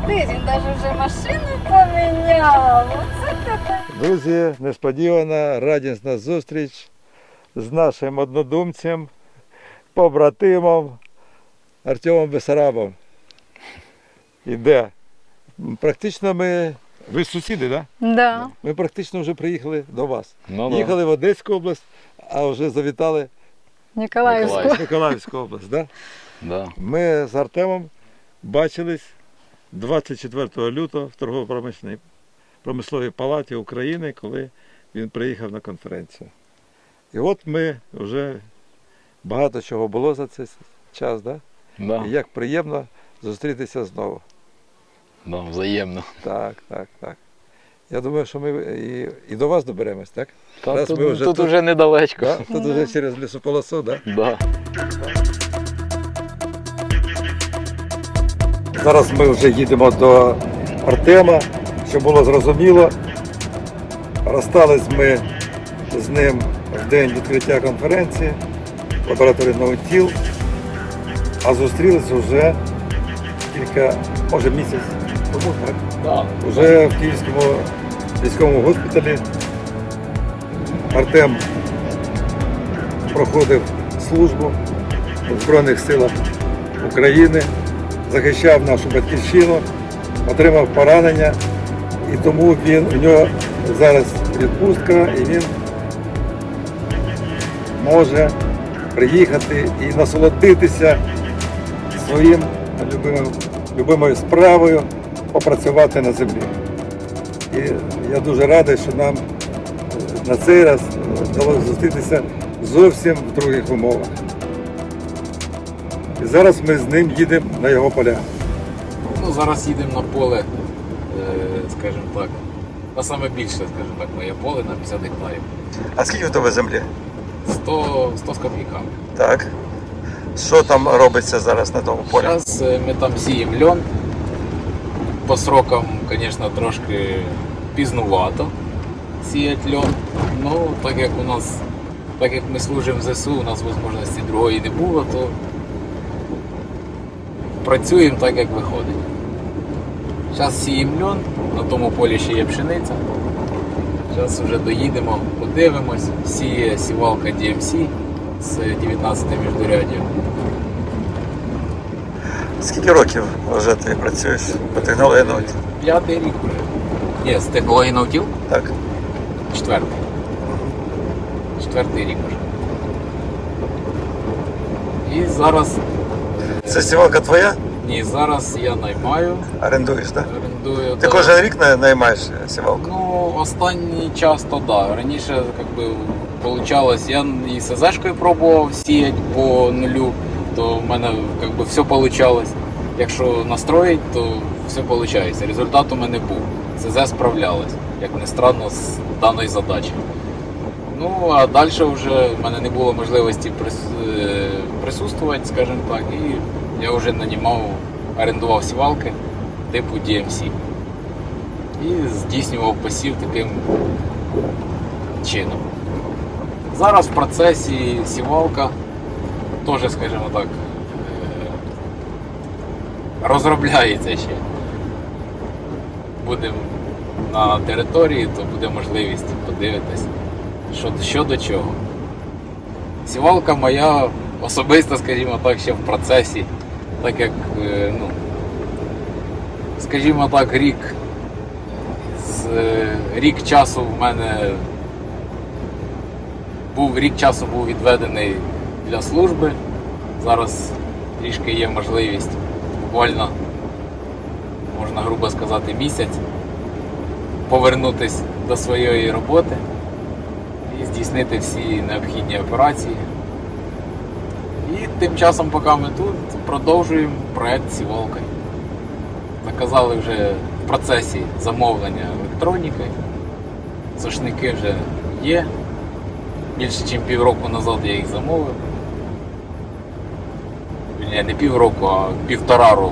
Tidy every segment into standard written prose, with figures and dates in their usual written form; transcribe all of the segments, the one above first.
він навіть вже машину поміняв. Оце таке. Друзі, несподівана, радісна зустріч з нашим однодумцем, побратимом Артемом Бессарабом. Іде. Практично ви сусіди, так? Да. Ми практично вже приїхали до вас. Ну, Їхали в Одеську область, а вже завітали Ніколаївську. в Миколаївську область. Да? Да. Ми з Артемом бачились 24 лютого в торгово-промисловій палаті України, коли він приїхав на конференцію. І от ми вже багато чого було за цей час, да? Да. І як приємно зустрітися знову. Да, взаємно. Так. Я думаю, що ми і до вас доберемось, так? Та Раз тут ми вже тут уже недалечко. Да? Тут вже через лісополосу, так? Да. Зараз ми вже їдемо до Артема, щоб було зрозуміло. Розстались ми з ним в день відкриття конференції в лабораторії Наутіл, а зустрілися вже може місяць тому, так? Да. Уже в Київському військовому госпіталі Артем проходив службу в Збройних силах України, захищав нашу батьківщину, отримав поранення, і тому у нього зараз відпустка, і він може приїхати і насолодитися своїм любимою справою, попрацювати на землі. І я дуже радий, що нам на цей раз вдалося зустрітися зовсім в других умовах. І зараз ми з ним їдемо на його поля. Ну, зараз їдемо на поле, скажімо так, на саме більше, скажімо так, моє поле на 50 гектарів. А скільки у тебе землі? 100 з копійками. Так. Що там робиться зараз на тому полі? Зараз ми там сіємо льон. По срокам, звісно, трошки пізнувато сіяти льон. Ну, так як ми служимо в ЗСУ, у нас можливості другої не було, то працюємо так, як виходить. Зараз сіємо льон, на тому полі ще є пшениця. Зараз вже доїдемо, подивимось. Сіє сівалка DMC з 19 міждуряддя. Скільки років вже ти працюєш по технології Наутіл? 5-й рік вже. Ні, з технології Наутіл? Так. 4-й. 4-й рік вже. І зараз... Це сівалка твоя? Ні, зараз я наймаю. Орендуєш, так? Орендую. Ти да. кожен рік наймаєш сівалку? Ну, останній час то да. Раніше, получалось, я і СЗшкою пробував сіяти по нулю, то в мене все получалось. Якщо настроїть, то все виходить. Результат у мене був. СЗ справлялась, як не странно, з даною задачею. Ну, а далі вже в мене не було можливості присутствувати, скажімо так, і я вже орендував сівалки типу DMC. І здійснював посів таким чином. Зараз в процесі сівалка теж, скажімо так, розробляється ще. Будемо на території, то буде можливість подивитись, що до чого. Сівалка моя особиста, скажімо так, ще в процесі, так як, скажімо так, рік часу в мене був відведений для служби. Зараз трішки є можливість, буквально, можна грубо сказати, місяць, повернутися до своєї роботи і здійснити всі необхідні операції. І тим часом, поки ми тут, продовжуємо проект сівалки. Заказали вже в процесі замовлення електроніки. Сошники вже є. Більше, ніж півроку назад я їх замовив. Не півроку, а 1,5 року.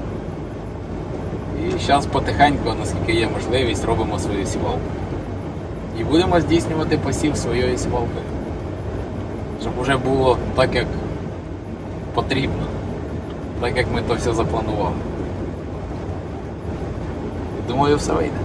І зараз потихеньку, наскільки є можливість, робимо свою сівалку. І будемо здійснювати посів своєї сівалки. Щоб вже було так, як потрібно. Так, як ми то все запланували. Думаю, все вийде.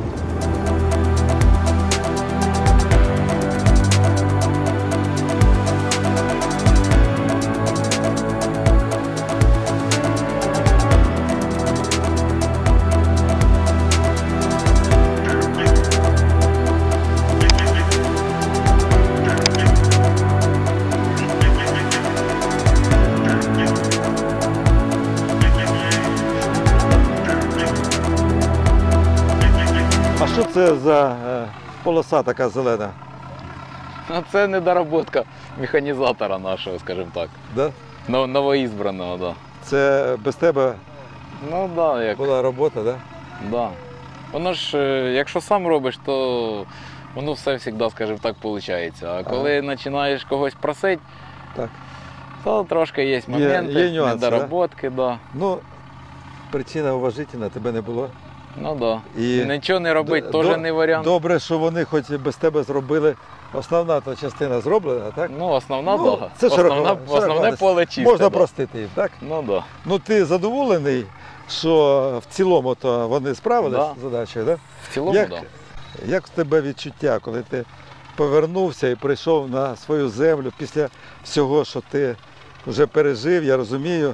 А що це за полоса така зелена? Ну, це недоработка механізатора нашого, скажімо так. Да? Новоізбраного, так. Да. Це без тебе Ну так, да, як. була робота, да? Да. Воно ж, якщо сам робиш, то воно все завжди, скажімо так, виходить. А коли починаєш когось просити, Так. то трошки є моменти, є нюанси, недоработки, да? Ну, причина уважительна, тебе не було. Ну так. Да. І Нічого не робити теж не варіант. Добре, що вони хоч без тебе зробили. Основна та частина зроблена, так? Ну, основна, Ну, да. це Основне поле чисте. Можна да. простити їм, так? Ну так. Да. Ну ти задоволений, що в цілому то вони справились Да. з задачею, так? В цілому, Як, так. як в тебе відчуття, коли ти повернувся і прийшов на свою землю після всього, що ти вже пережив, я розумію.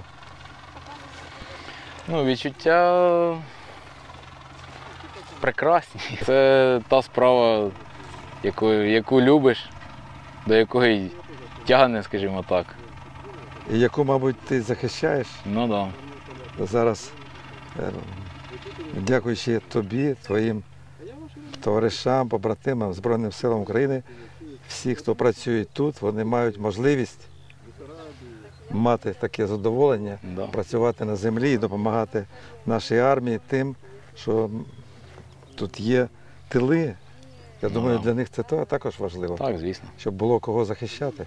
Ну, відчуття прекрасні. Це та справа, яку любиш, до якої тягне, скажімо так. І яку, мабуть, ти захищаєш Ну так. Да. зараз, дякуючи тобі, твоїм товаришам, побратимам, Збройним силам України, всі, хто працює тут, вони мають можливість мати таке задоволення, Да. працювати на землі і допомагати нашій армії тим, що тут є тили. Я думаю, для них це також важливо, Так, звісно. щоб було кого захищати.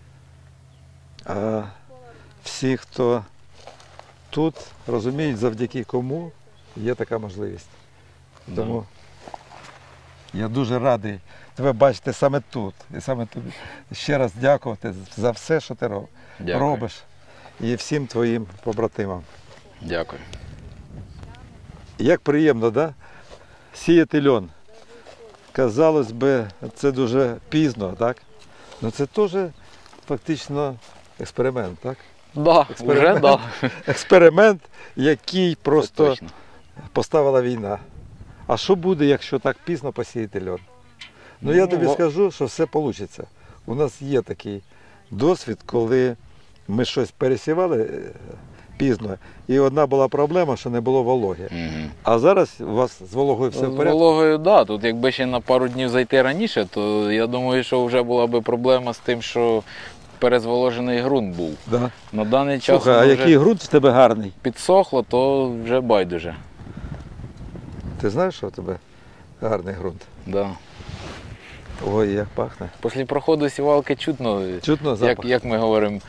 А всі, хто тут, розуміють, завдяки кому є така можливість. Да. Тому я дуже радий тебе бачити саме тут. І саме тобі ще раз дякувати за все, що ти Дякую. робиш. І всім твоїм побратимам. Дякую. Як приємно, да? Сіяти льон. Казалось би, це дуже пізно, так? Ну це теж фактично експеримент, так? Да, вже да. Експеримент, який просто Це точно. поставила війна. А що буде, якщо так пізно посіяти льон? Ну я тобі скажу, що все вийде. У нас є такий досвід, коли ми щось пересівали пізно, і одна була проблема, що не було вологи. Угу. А зараз у вас з вологою все в З порядку? вологою, так. Да. Тут якби ще на пару днів зайти раніше, то я думаю, що вже була б проблема з тим, що перезволожений ґрунт був. Да. На даний час Слухай, а воно який вже ґрунт в тебе гарний? підсохло, то вже байдуже. Ти знаєш, що в тебе гарний ґрунт? Да. Ой, як пахне. Після проходу сівалки чутно, Чутно запах? як ми говоримо,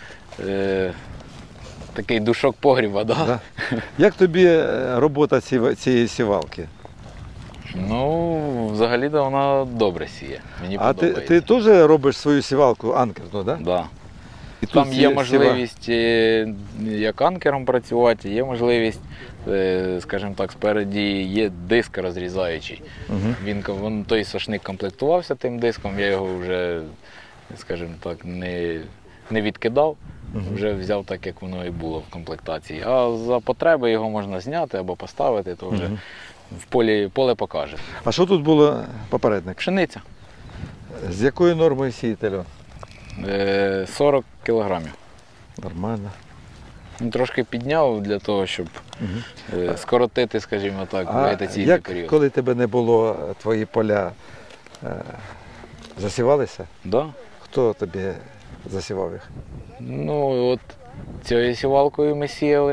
такий душок погріба. Да? Да. Як тобі робота цієї сівалки? Ну, взагалі-то вона добре сіє. Мені А подобається. ти теж робиш свою сівалку анкерну, так? Да. І Там тут є можливість як анкером працювати, є можливість, скажімо так, спереді є диск розрізаючий. Угу. Він той сошник комплектувався тим диском, я його вже, скажімо так, не відкидав, вже взяв так, як воно і було в комплектації. А за потреби його можна зняти або поставити, то вже в поле покаже. А що тут було попередник? Пшениця. З якою нормою сіяти льон? 40 кілограмів. Нормально. Трошки підняв для того, щоб скоротити, скажімо так, А вегетаційний як, період. коли тебе не було, твої поля засівалися? Да? Хто тобі засівав їх? Ну, от цією сівалкою ми сіяли.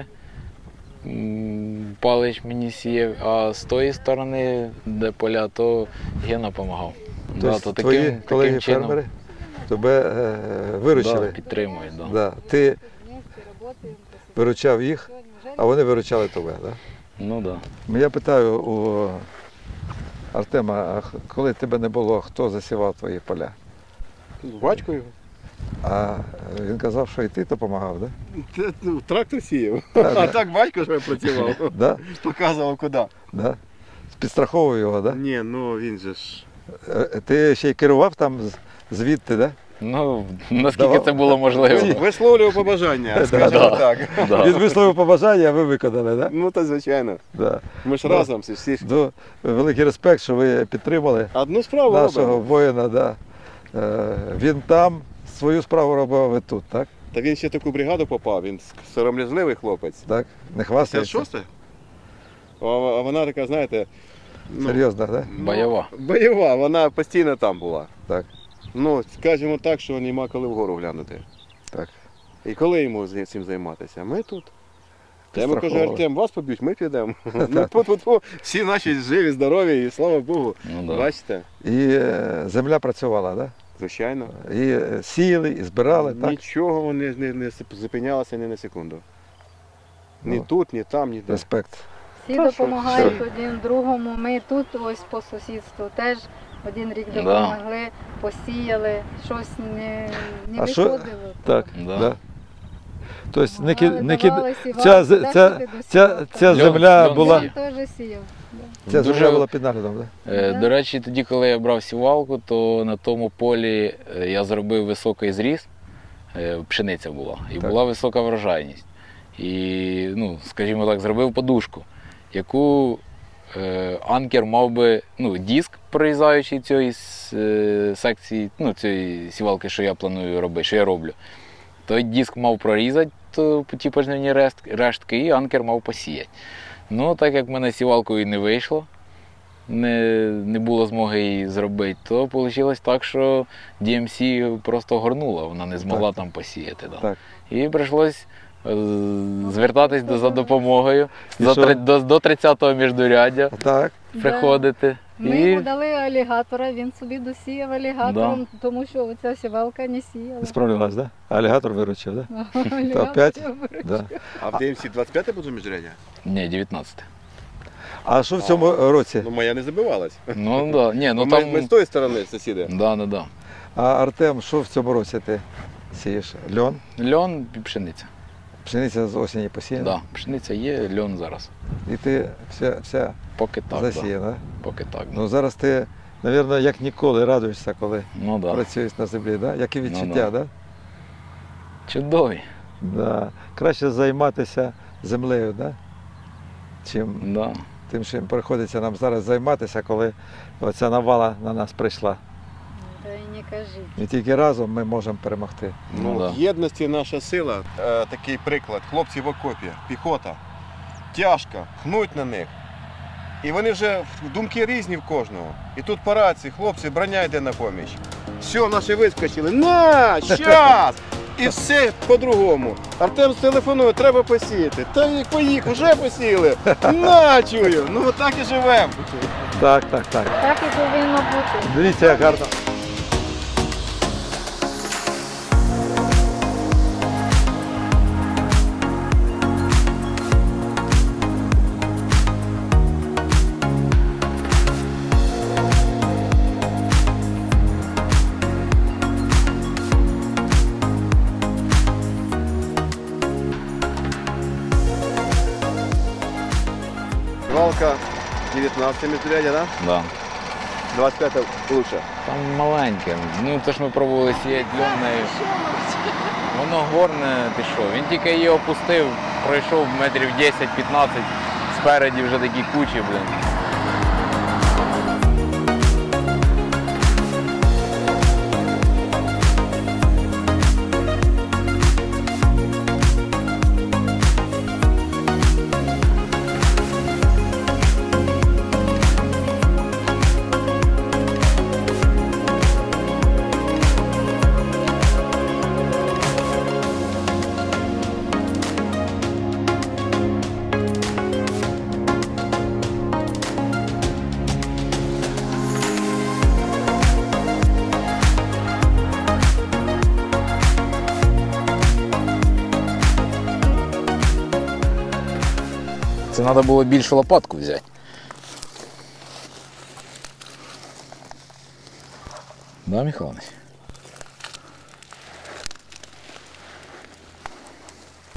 Палич мені сіяв, а з тої сторони, де поля, то Гена допомагав. Тобто твої колеги-фермери тебе виручили? Да, підтримують. Да. Да. Ти виручав їх, а вони виручали тебе, так? Да? Ну так. Да. Я питаю у Артема, а коли тебе не було, хто засівав твої поля? Батько його. А він казав, що і ти допомагав, так? Трактор сіяв. Да? А так батько ж працював. Да? Показував куди. Да? підстраховував його, так? Ні, ну він же ж. Ти ще й керував там звідти, так? Ну, наскільки Давай. це було можливо. Висловлював побажання, скажімо так. Да. Він висловив побажання, а ви виконали, так? Ну, та звичайно. Да. Ми ж Ну, разом всі ж. Великий респект, що ви підтримали Одну справу нашого робимо. воїна. Да. Він там свою справу робив, а ви тут, так? Та він ще в таку бригаду попав, він сором'язливий хлопець. Так? Не Це хвастається? шосте? А вона така, знаєте, ну, Серйозно, так? Бойова. бойова, вона постійно там була. Так. Ну, скажімо так, що нема коли вгору глянути. Так. І коли йому цим займатися? Ми тут. Я йому кажу, Підстраховували. Артем, вас поб'ють, ми підемо. Ну, всі наші живі, здорові, і слава Богу. Ну, да. Бачите? І земля працювала, так? Звичайно. І сіяли, і збирали, так? Нічого вони не зупинялося ні на секунду. Ні Ну. тут, ні там, ні де. Респект. Всі допомагають один другому. Ми тут ось по сусідству теж один рік Да. допомогли, посіяли, щось не А що- виходило. Так. Да. Да. Тобто не Давали, сівали, ця куди ж ти ця досівав? земля Льон була. сіяв. Теж сіяв. Ця Дуже- земля була під наглядом, так? До речі, тоді, коли я брав сівалку, то на тому полі я зробив високий зріз, пшениця була, і Так. була висока врожайність. І, ну, скажімо так, зробив подушку, яку анкер мав би, ну, диск, прорізаючий цієї секції, ну, цієї сівалки, що я планую робити, що я роблю. Той диск мав прорізати ті пожнивні рештки, і анкер мав посіяти. Ну, так як в мене сівалкою не вийшло, не було змоги її зробити, то вийшло так, що DMC просто горнула, вона не змогла там посіяти. Да. Так. І прийшлось звертатись за допомогою, І що? до 30-го міждуряддя Так. приходити. Ми І йому дали алігатора, він собі досіяв алігатором, тому що оця сівалка не сіяла. Не справлялась, так? Алігатор виручив, так? Алігатор опять? виручив. Да. А в ДМС 25 буде міжряддя? ні, 19. А що в цьому році? Ну, моя не забивалась. Ну да. Ні, ну ми, там. ми з тої сторони сусіди. Да. А Артем, що в цьому році ти сієш? Льон? Льон і пшениця. Пшениця з осені посіяна? Да. Пшениця є, льон зараз. І ти вся Поки так. Да. засіяна? Поки так. Да. Ну зараз ти, мабуть, як ніколи радуєшся, коли Ну да. працюєш на землі, да? Як і відчуття, да. да? Чудові. Да. Краще займатися землею, да? Чим Да. тим, чим приходиться нам зараз займатися, коли оця навала на нас прийшла. Та й не кажіть. І тільки разом ми можемо перемогти. Ну, Ну, да. в єдності наша сила. Такий приклад. Хлопці в окопі, піхота. Тяжко, хнуть на них. І вони вже думки різні в кожного. І тут по рації, хлопці, броня йде на поміч. Все, наші вискочили. На, щас! І все по-другому. Артем телефонує, треба посіяти. Та їх поїхав, вже посіяли. На, чую. Ну так і живемо. Так. Так і повинно бути. Дивіться, як гарно. Валка 19 міжрядя, да? Да. 25 лучше. Там маленьке. Ну, то ж ми пробували сіяти льонною. Воно горне пішов. Він тільки її опустив, пройшов метрів 10-15, спереді вже такі кучі, блин. Це треба було більшу лопатку взяти. Да, Михайлович?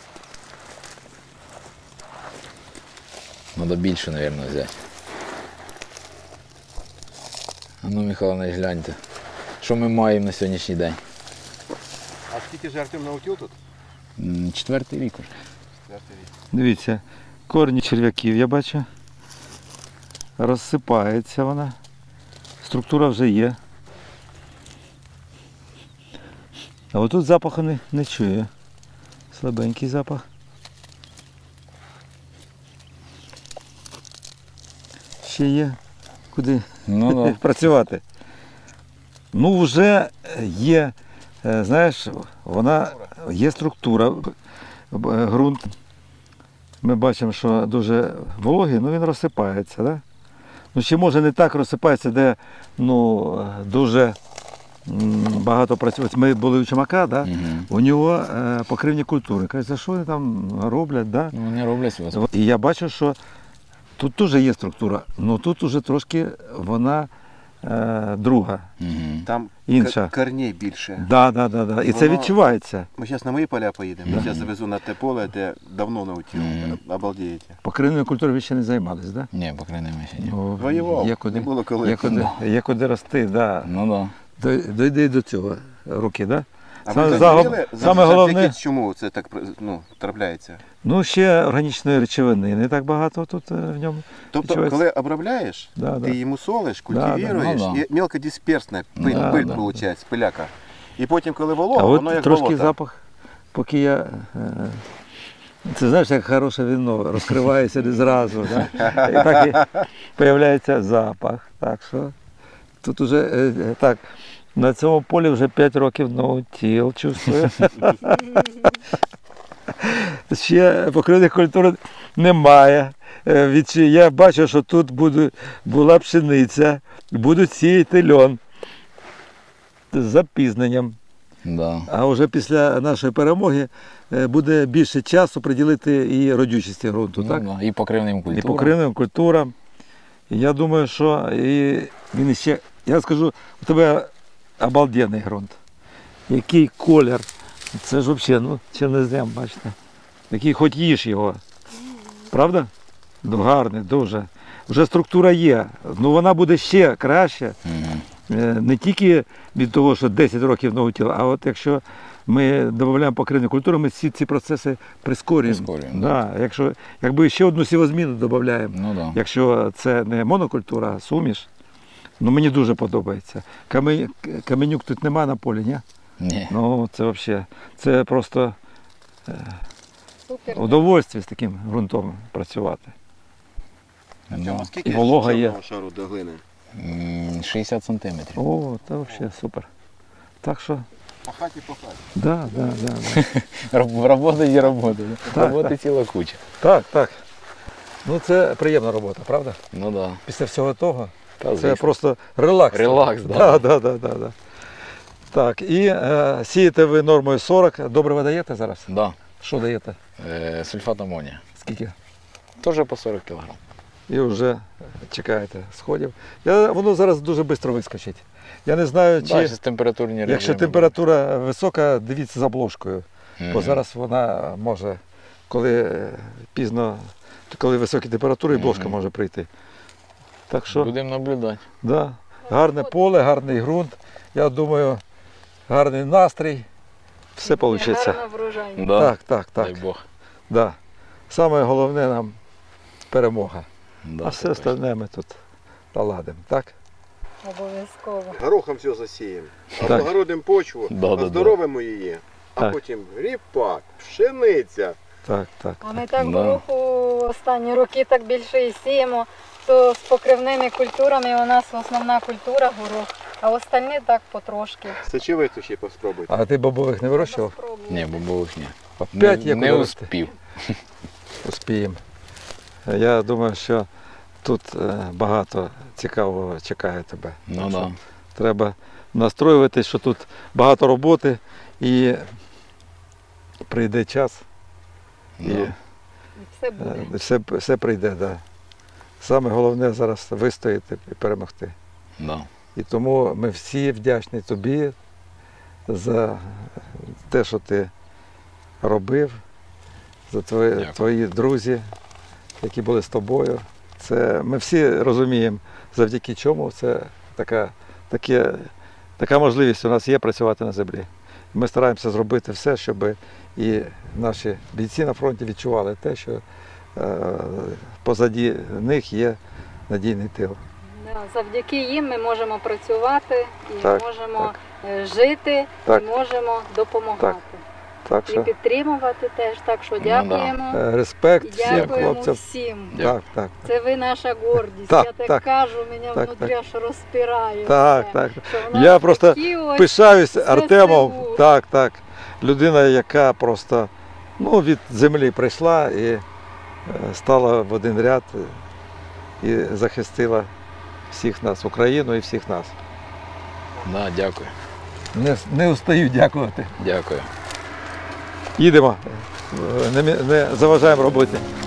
Треба більше, мабуть, взяти. Ну, Михайлович, гляньте, що ми маємо на сьогоднішній день. А скільки ж Артем наутіл тут? 4-й рік уже. 4-й рік. Дивіться, корні черв'яків я бачу. Розсипається вона. Структура вже є. А отут запаху не чую. Слабенький запах. Ще є куди Ну, да. працювати. Ну, вже є, знаєш, вона є структура, ґрунт. Ми бачимо, що дуже вологий, ну він розсипається. Да? Ну, ще може не так розсипається, де дуже багато працює. Ми були у Чумака, да? У нього покривні культури. Кажуть, за що вони там роблять? Да? Ну, вони роблять вас. І я бачу, що тут теж є структура, але тут вже трошки вона друга, Там інша. корней більше. Да. І це Воно- відчувається. Ми зараз на мої поля поїдемо. Я зараз завезу на те поле, де давно наутіл. Обалдієте. Покривною культурою ви ще не займались, так? Да? Ні, покринемо ще ні. Ну, Воював, є куди, не було коли. є куди рости, да. Ну, так. Дойди до цього руки, да? А Саме ви загоб- зрозуміли, саме головне- завдяки чому це так трапляється? Ну, ще органічної речовини не так багато тут в ньому. Тобто, відчувається. коли обробляєш, Да. ти йому солиш, Да, культивіруєш, ну да. і мелкодисперсна пиль, Да, пиль да. виходить, пиляка. І потім, коли волога, А от воно як трошки болото. запах, поки я. Це знаєш, як хороше вино, розкривається не зразу. Да? І так і з'являється запах. Так що тут уже так, на цьому полі вже 5 років наутіл, чувствую. Ще покривних культур немає. Я бачу, що тут була пшениця, будуть сіяти льон з запізненням. Да. А вже після нашої перемоги буде більше часу приділити і родючості ґрунту, так? Ну, да. І покривним І культурам. покривним культурам. І я думаю, що він ще, я скажу, у тебе обалденний ґрунт. Який колір. Це ж взагалі, чорнозем, бачите. Який хоч їж його. Правда? Ну, гарний, дуже. Вже структура є. Ну вона буде ще краще. Не тільки від того, що 10 років наутіл, а от якщо ми додаємо покривні культури, ми всі ці процеси прискорюємо. Да. Якби ще одну сівозміну додаємо, Ну, да. якщо це не монокультура, а суміш, мені дуже подобається. Каменюк тут нема на полі, ні? Ні. Ну це взагалі, це просто Супер. удовольствие з таким ґрунтом працювати. Да. Скільки Волога є. чорного шару до глини? 60 сантиметрів. О, це взагалі супер. Так що, По хаті, по хаті. да. Робота є робота. Так, Роботи так. ціла куча. Так. Ну це приємна робота, правда? Ну так. Після всього того. Да. Це просто релакс. Релакс, так. Да. Так, і сієте ви нормою 40. Добре ви даєте зараз? Да. Що даєте? Сульфат амонія. Скільки? Теж по 40 кг. І вже чекаєте сходів. Воно зараз дуже швидко вискочить. Я не знаю, чи Бачиш, температурні режими. якщо температура висока, дивіться за обложкою. Бо Мгм. зараз вона може, коли пізно, коли високі температури, і бложка Мгм. може прийти. Так що, Будемо наблюдати. да, гарне поле, гарний ґрунт. Я думаю, гарний настрій. Все вийде. Гарна врожайність. Да. Так. Дай Бог. Да. Саме головне нам перемога. Да, А все це точно. остальне ми тут наладимо, так? Обов'язково. Горохом все засіємо. Так. Облагородимо почву, Да. оздоровимо її. А Так. потім ріпак, пшениця. Так. А ми так Да. гороху останні роки так більше і сіємо, то з покривними культурами у нас основна культура горох, а остальні так потрошки. Сечовицю ще поспробуйте. А ти бобових не вирощував? Спробуємо. Ні, бобових ні. Опять є не куди рости. успів. Успіємо. Я думаю, що тут багато цікавого чекає тебе. Ну Так що да. треба настроюватись, що тут багато роботи і прийде час, і Да. І все буде. все прийде. Да. Саме головне зараз вистояти і перемогти. Да. І тому ми всі вдячні тобі за те, що ти робив, за Дякую. твої друзі, які були з тобою. Ми всі розуміємо, завдяки чому це така можливість у нас є працювати на землі. Ми стараємося зробити все, щоб і наші бійці на фронті відчували те, що позаді них є надійний тил. Да, завдяки їм ми можемо працювати, і Так, можемо жити, Так. і можемо допомагати. Так І що підтримувати теж. Так що дякуємо. респект І всім дякуємо хлопцям. всім. Так. Це ви наша гордість. Так, Я так так. кажу, мене Так, внутрі аж розпирає. Так, все. так. Що в нас Я просто такі ось пишаюсь ЗСУ. Артемом. Так. Людина, яка просто від землі прийшла і стала в один ряд і захистила всіх нас, Україну і всіх нас. Да, дякую. Не устаю дякувати. Дякую. Їдемо, не заважаємо роботі.